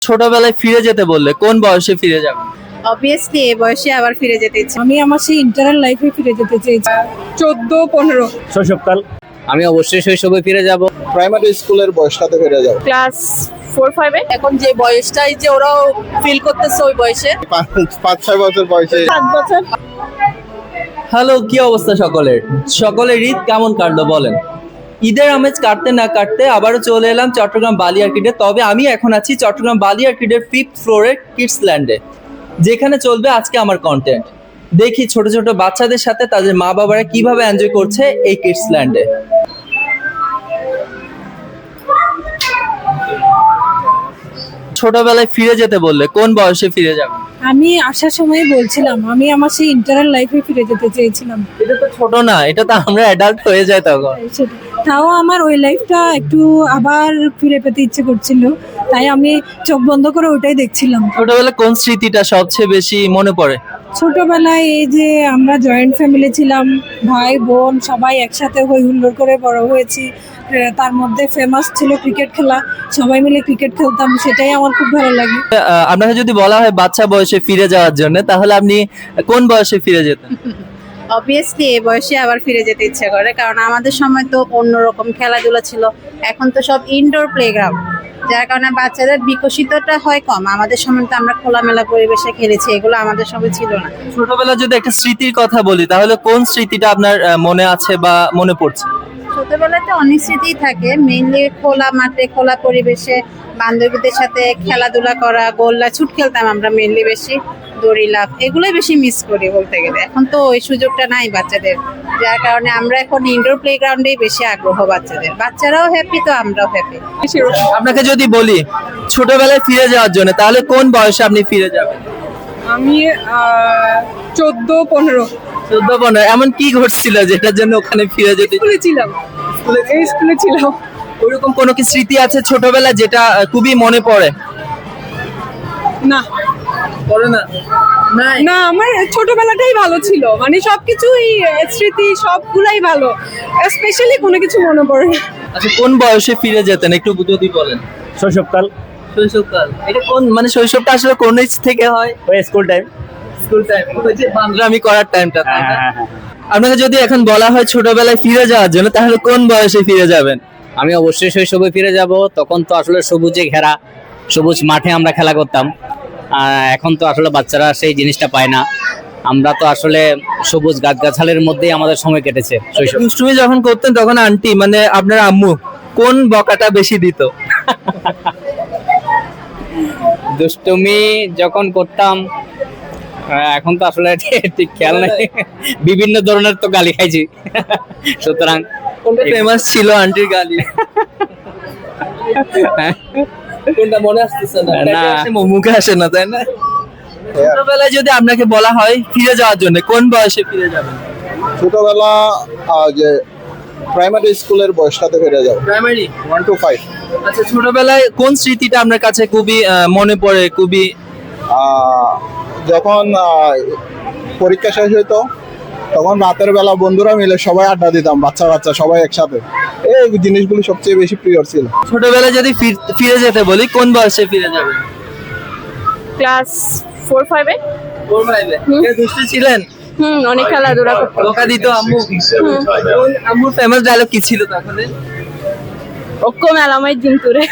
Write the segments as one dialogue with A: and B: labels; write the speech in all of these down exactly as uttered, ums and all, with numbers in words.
A: ছোটবেলায় ফিরে যেতে বললে কোন বয়সে ফিরে যাবেন?
B: অবভিয়াসলি এই বয়সে আবার ফিরে যেতে ইচ্ছে।
C: আমি আমার সেই ইন্টারাল লাইফে ফিরে যেতে চাইছি, চোদ্দ পনেরো
D: শৈশবকাল।
E: আমি অবশ্যই শৈশবে ফিরে যাব।
F: প্রাইমারি স্কুলের বয়সটাতে ফিরে যাব।
B: ক্লাস ফোর ফাইভে এখন যে বয়সটাই যে ওরাও ফিল করতেছে ওই বয়সে
F: পাঁচ- পাঁচ ছয় বছর বয়সে।
B: সাত বছর।
A: হ্যালো, কি অবস্থা সকলের? সকলের ঈদ কেমন কাটলো বলেন? ঈদের আমেজ কাটতে না কাটতে আবারও চলে এলাম চট্টগ্রাম বালি আর্কিডে। তবে আমি এখন আছি চট্টগ্রাম বালি আর্কিডের ফিফথ ফ্লোরের কিডস ল্যান্ডে, যেখানে চলবে আজকে আমার কন্টেন্ট। দেখি ছোট ছোট বাচ্চাদের সাথে তাদের মা বাবারা কিভাবে এনজয় করছে এই কিডস ল্যান্ডে। ছোটবেলায় ফিরে যেতে বললে কোন বয়সে ফিরে যাবে?
C: আমি আসার সময় বলছিলাম আমি আমার সেই ইন্টারাল লাইফে ফিরে যেতে চেয়েছিলাম।
A: এটা তো ছোট না, এটা তো আমরা অ্যাডাল্ট হয়ে যায় তখন।
C: সেটা- তাও আমার ওই লাইফটা একটু আবার ফিরে পেতে ইচ্ছে করছিল, তাই আমি চোখ বন্ধ করে ওটাই দেখছিলাম।
A: ছোটবেলায় কোন স্মৃতিটা সবচেয়ে বেশি মনে পড়ে?
C: ছোটবেলায় এই যে আমরা জয়েন্ট ফ্যামিলি ছিলাম, ভাই বোন সবাই একসাথে হই হুল্লোড় করে বড় হয়েছি। আহ, তার মধ্যে ফেমাস ছিল ক্রিকেট খেলা, সবাই মিলে ক্রিকেট খেলতাম, সেটাই আমার খুব ভালো লাগে।
A: আহ, আপনাকে যদি বলা হয় বাচ্চা বয়সে ফিরে যাওয়ার জন্য, তাহলে আপনি কোন বয়সে ফিরে যেতেন?
B: অবভিয়াসলি এই বয়সে আবার ফিরে যেতে ইচ্ছে করে, কারণ আমাদের সময় তো অন্যরকম খেলাধুলা ছিল। এখন তো সব ইনডোর প্লেগ্রাউন্ড, যার কারণে বাচ্চাদের বিকশিতটা হয় কম। আমাদের সময় তো আমরা খোলামেলা পরিবেশে খেলেছি, এগুলো আমাদের সময় ছিল না।
A: ছোটবেলা যদি একটা স্মৃতির কথা বলি, তাহলে কোন স্মৃতিটা আপনার আহ, মনে আছে বা মনে পড়ছে?
B: ছোটবেলায় তো অনেক স্মৃতি থাকে, মেইনলি খোলা মাঠে খোলা পরিবেশে বান্ধবীদের সাথে খেলাধুলা করা, গোল্লা ছুট খেলতাম আমরা মেইনলি বেশি, দড়ি লাফ, এগুলোই বেশি মিস করি বলতে গেলে। এখন তো ওই সুযোগটা নাই বাচ্চাদের, যার কারণে আমরা এখন ইনডোর প্লেগ্রাউন্ডেই বেশি আগ্রহ বাচ্চাদের। বাচ্চারাও হ্যাপি তো আমরাও হ্যাপি।
A: আপনাকে যদি বলি ছোটবেলায় ফিরে যাওয়ার জন্য, তাহলে কোন বয়সে আপনি ফিরে যাবেন?
C: আমি চোদ্দ পনেরো
A: চোদ্দ পনেরো। এমন কি ঘটছিল যেটার জন্য ওখানে ফিরে যেতে?
C: স্কুলে ছিলাম, এই স্কুলে ছিলাম।
A: ওইরকম কোনো কি স্মৃতি আছে ছোটবেলা যেটা আহ, খুবই মনে পড়ে?
C: না
A: পড়ে না? নাই।
C: না, আমার ছোটবেলাটাই ভালো ছিল, মানে সবকিছুই আহ, স্মৃতি সবগুলাই ভালো, স্পেশালি কোনো কিছু মনে পড়ে না।
A: আচ্ছা, কোন বয়সে ফিরে যেতেন একটু যদি বলেন?
D: শৈশবকাল।
A: শৈশবকাল। এটা কোন মানে শৈশবটা আসলে কোন এজ থেকে হয়?
D: ওই স্কুল টাইম।
A: স্কুল টাইম, ওই যে বান্দরামি করার টাইমটা, তাই না?
D: হ্যাঁ, হ্যাঁ,
A: আপনাকে যদি এখন বলা হয় ছোটবেলায় ফিরে যাওয়ার জন্য, তাহলে কোন বয়সে ফিরে যাবেন?
E: আমি অবশ্যই শৈশবে ফিরে যাব। তখন তো আসলে সবুজে ঘেরা, সবুজ মাঠে আমরা খেলা করতাম। আহ, এখন তো আসলে বাচ্চারা সেই জিনিসটা পায় না। আমরা তো আসলে সবুজ গাছগাছালির মধ্যেই আমাদের সময় কেটেছে শৈশব।
A: দুষ্টুমি যখন করতেন তখন আন্টি মানে আপনার আম্মু কোন বকাটা বেশি দিত?
E: দুষ্টুমি যখন করতাম, আহ, এখন তো আসলে ঠিক খেয়াল নেই, বিভিন্ন ধরনের তো গালি খাইছি। সুতরাং
A: কোনটা ফেমাস ছিল আন্টির গালি? কোনটা মনে আসতেছে না?
E: না।
A: পেটে আসে, মুখে আসে না, তাই না? ছোটবেলায় যদি আপনাকে বলা হয় ফিরে যাওয়ার জন্য, কোন বয়সে ফিরে যাবেন?
F: ছোটবেলা আহ, যে প্রাইমারি স্কুলের বয়সটাতে ফিরে যাব।
A: Primary
F: one two five.
A: আচ্ছা, ছোটবেলায় কোন স্মৃতিটা আপনার কাছে খুবই আহ, মনে পড়ে? খুবই
F: যখন আহ, পরীক্ষা শেষ হইতো, তখন রাতের বেলা বন্ধুরা মিলে সবাই আড্ডা দিতাম, বাচ্চা বাচ্চা সবাই একসাথে। এই জিনিসগুলো সবচেয়ে বেশি প্রিয় ছিল।
A: ছোটবেলায় যদি ফির- ফিরে যেতে বলি, কোন বয়সে ফিরে যাবেন?
B: ক্লাস ফোর ফাইভে।
A: ফোর ফাইভে। দুষ্টু ছিলেন?
B: হুম, অনেক খেলাধুলা করতাম।
A: বকা দিত আম্মু? কোন আম্মুর ফেমাস ডায়লগ কি ছিল তখন?
B: ওকো মেলামাই দিন তুরে।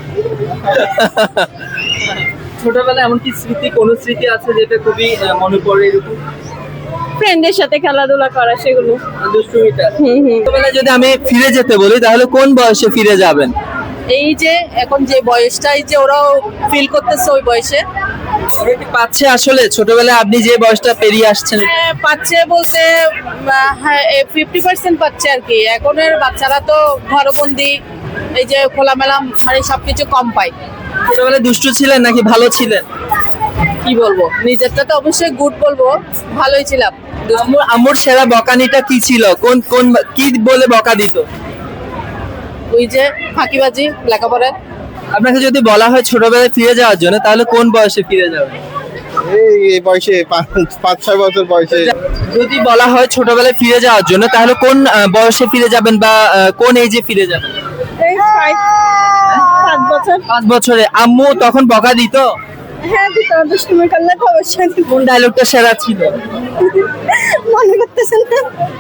A: ছোটবেলায় এমন কি স্মৃতি, কোন স্মৃতি আছে যেটা খুবই আহ, মনে পড়ে এরকম?
B: ফ্রেন্ডের সাথে খেলাধুলা করা, সেগুলো।
A: দুষ্টুমিটা।
B: হুম হুম।
A: ছোটবেলায় যদি আমি ফিরে যেতে বলি, তাহলে কোন বয়সে ফিরে যাবেন?
B: এই যে এখন যে বয়সটাই যে ওরাও ফিল করতেছে ওই বয়সে।
A: ওরা কি পাচ্ছে আসলে ছোটবেলায় আপনি যে বয়সটা পেরিয়ে আসছেন?
B: হ্যাঁ, পাচ্ছে বলতে হ্যাঁ ফিফটি পার্সেন্ট পাচ্ছে আর কি। এখনের বাচ্চারা তো ঘরবন্দি, এই যে খোলামেলা মানে সবকিছু কম পায়।
A: ছোটবেলায় দুষ্টু ছিলেন নাকি ভালো ছিলেন?
B: কি বলবো, নিজেরটা তো অবশ্যই গুড বলবো, ভালোই ছিলাম।
A: আম্মুর আম্মুর সেরা বকানিটা কি ছিল? কোন কোন কি বলে বকা দিত?
B: ওই যে ফাঁকিবাজি, লেখাপড়া।
A: আপনাকে যদি বলা হয় ছোটবেলায় ফিরে যাওয়ার জন্য, তাহলে কোন বয়সে ফিরে যাবেন?
F: এই এই বয়সে পাঁচ পাঁচ ছয় বছর বয়সে।
A: যদি বলা হয় ছোটবেলায় ফিরে যাওয়ার জন্য, তাহলে কোন আহ, বয়সে ফিরে যাবেন বা আহ, কোন এজে ফিরে যাবেন?
C: এই ফাইভ সাত বছর
D: বছর।
A: পাঁচ বছরে আম্মু তখন বকা দিত?
D: হ্যাঁ দিত, দুষ্টুমি করলে তো অবশ্যই দিত।
A: কোন ডায়লগটা সেরা ছিল?
D: মনে করতেছেন না?